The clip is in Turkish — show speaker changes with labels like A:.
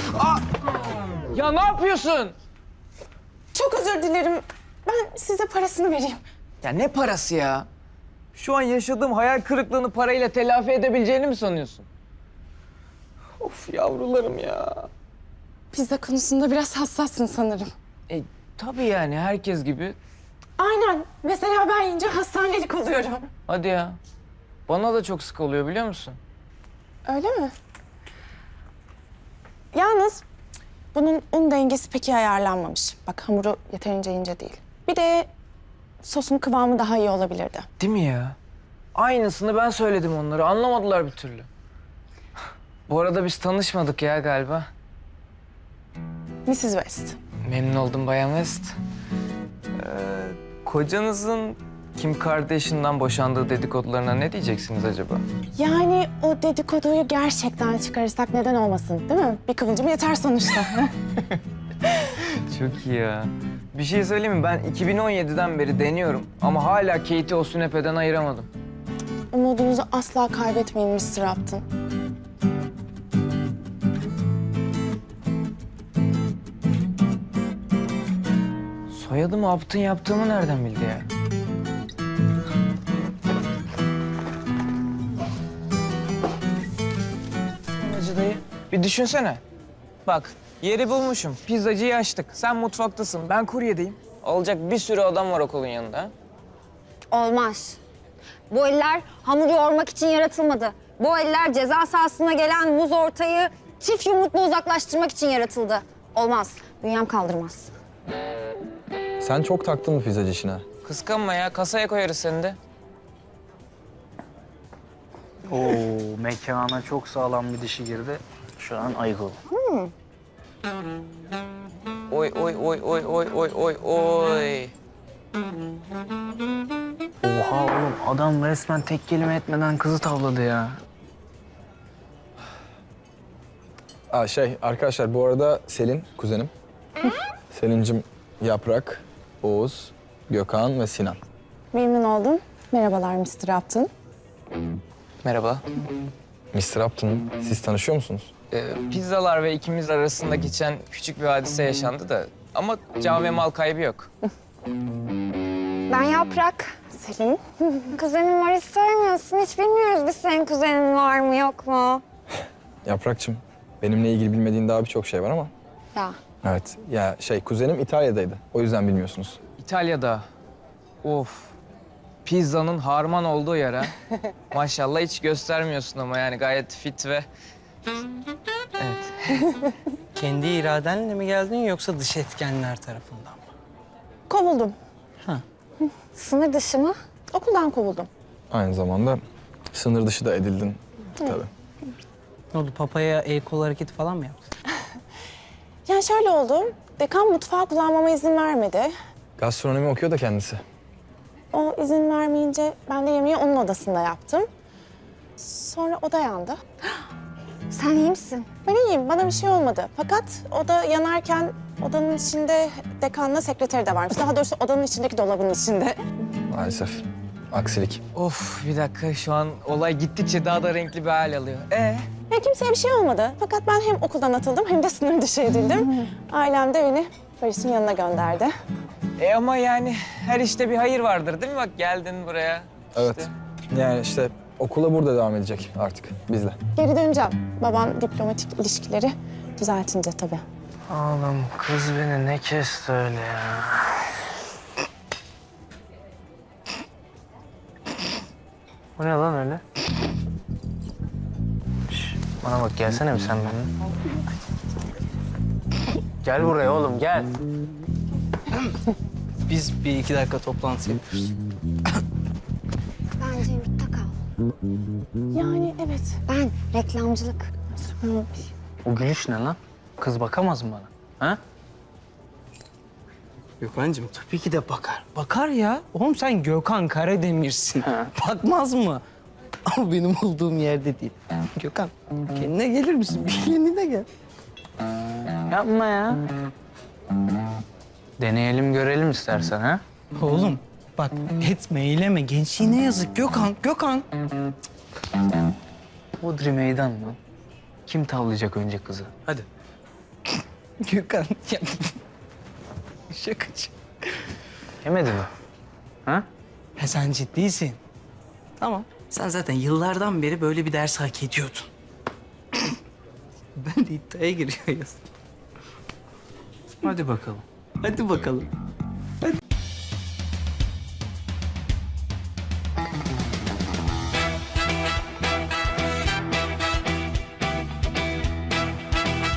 A: Ya ne yapıyorsun?
B: Çok özür dilerim. Ben size parasını vereyim.
A: Ya ne parası ya? Şu an yaşadığım hayal kırıklığını parayla telafi edebileceğini mi sanıyorsun? Of yavrularım ya.
B: Pizza konusunda biraz hassassın sanırım.
A: Tabii yani herkes gibi.
B: Aynen. Mesela ben yiyince hastanelik oluyorum.
A: Hadi ya. Bana da çok sık oluyor biliyor musun?
B: Öyle mi? Yalnız bunun un dengesi pek iyi ayarlanmamış. Bak hamuru yeterince ince değil. Bir de sosun kıvamı daha iyi olabilirdi.
A: Değil mi ya? Aynısını ben söyledim onlara. Anlamadılar bir türlü. Bu arada biz tanışmadık ya galiba.
B: Mrs. West.
A: Memnun oldum Bayan West. Kocanızın Kim Kardashian'dan boşandığı dedikodularına ne diyeceksiniz acaba?
B: Yani o dedikoduyu gerçekten çıkarırsak neden olmasın değil mi? Bir kıvılcım yeter sonuçta.
A: Çok iyi ya. Bir şey söyleyeyim mi? Ben 2017'den beri deniyorum ama hala Kate'i o sünepeden ayıramadım.
B: Umudunuzu asla kaybetmeyin Mr. Upton.
A: Soyadımı Upton yaptığımı nereden bildi ya? Hacı dayı, bir düşünsene. Bak, yeri bulmuşum. Pizzacıyı açtık. Sen mutfaktasın, ben kuryedeyim. Olacak bir sürü adam var okulun yanında.
C: Olmaz. Bu eller hamur yoğurmak için yaratılmadı. Bu eller ceza sahasına gelen muz ortayı çift yumrukla uzaklaştırmak için yaratıldı. Olmaz. Bünyem kaldırmaz.
D: Sen çok taktın mı pizzacı işine?
A: Kıskanma ya, kasaya koyarız seni de.
E: Oo, mekana çok sağlam bir dişi girdi. Şu an ayıkıl.
A: Oy oy oy oy oy oy oy oy.
E: Oha oğlum adam resmen tek kelime etmeden kızı tavladı ya.
D: Arkadaşlar bu arada Selin, kuzenim. Selin'cim Yaprak, Oğuz, Gökhan ve Sinan.
B: Memnun oldum. Merhabalar Mr. Upton.
A: Merhaba.
D: Mr. Upton, siz tanışıyor musunuz?
A: Pizzalar ve ikimiz arasında geçen küçük bir hadise yaşandı da ama can ve mal kaybı yok.
C: Ben Yaprak.
B: Selin.
C: Kuzenin var hiç söylemiyorsun. Hiç bilmiyoruz biz senin kuzenin var mı yok mu?
D: Yaprak'cığım, benimle ilgili bilmediğin daha birçok şey var ama.
C: Ya.
D: Evet, kuzenim İtalya'daydı. O yüzden bilmiyorsunuz.
A: İtalya'da. Of. Pizzanın harman olduğu yer ha. Maşallah hiç göstermiyorsun ama yani gayet fit ve... Evet.
F: Kendi iradenle mi geldin yoksa dış etkenler tarafından mı?
B: Kovuldum.
C: Sınır dışı mı?
B: Okuldan kovuldum.
D: Aynı zamanda sınır dışı da edildin tabii.
F: Ne oldu, papaya el kol hareketi falan mı yaptın?
B: Yani şöyle oldu. Dekan mutfağı kullanmama izin vermedi.
D: Gastronomi okuyor da kendisi.
B: O izin vermeyince ben de yemeği onun odasında yaptım. Sonra oda yandı.
C: Sen iyi misin?
B: Ben iyiyim, bana bir şey olmadı. Fakat oda yanarken odanın içinde dekanla sekreteri de varmış. Daha doğrusu odanın içindeki dolabın içinde.
D: Maalesef. Aksilik.
A: Of bir dakika şu an olay gittikçe daha da renkli bir hal alıyor.
B: Ya kimseye bir şey olmadı. Fakat ben hem okuldan atıldım hem de sınır dışı edildim. Ailem de beni Barış'ın yanına gönderdi.
A: Ama yani her işte bir hayır vardır değil mi? Bak geldin buraya.
D: Evet. Yani işte okula burada devam edecek artık bizle.
B: Geri döneceğim. Babam diplomatik ilişkileri düzeltince tabii.
E: Oğlum kız beni ne kesti öyle ya. Bu ne lan öyle? Şş, bana bak gelsene bir sen benimle. Gel buraya oğlum gel.
F: Biz bir iki dakika toplantı yapıyoruz.
C: Bence yurtta kal.
B: Yani evet.
C: Ben reklamcılık.
E: O gülüş ne lan? Kız bakamaz mı bana? Ha?
F: Gökhan'cığım tabii ki de bakar. Bakar ya. Oğlum sen Gökhan Karademir'sin. Bakmaz mı? Ama benim olduğum yerde değil. Gökhan kendine gelir misin? Bir kendine gel.
E: Yapma ya. Deneyelim görelim istersen ha.
F: Oğlum bak etme eyleme. Gençliğine yazık Gökhan. Gökhan.
E: Bodri meydan lan. Kim tavlayacak önce kızı? Hadi.
F: Gökhan ya. Şakacı.
E: Yemedi mi? Ha?
F: Ha, sen ciddisin. Tamam. Sen zaten yıllardan beri böyle bir ders hak ediyordun. Ben de iddiaya giriyoruz. Hadi bakalım. Hadi bakalım.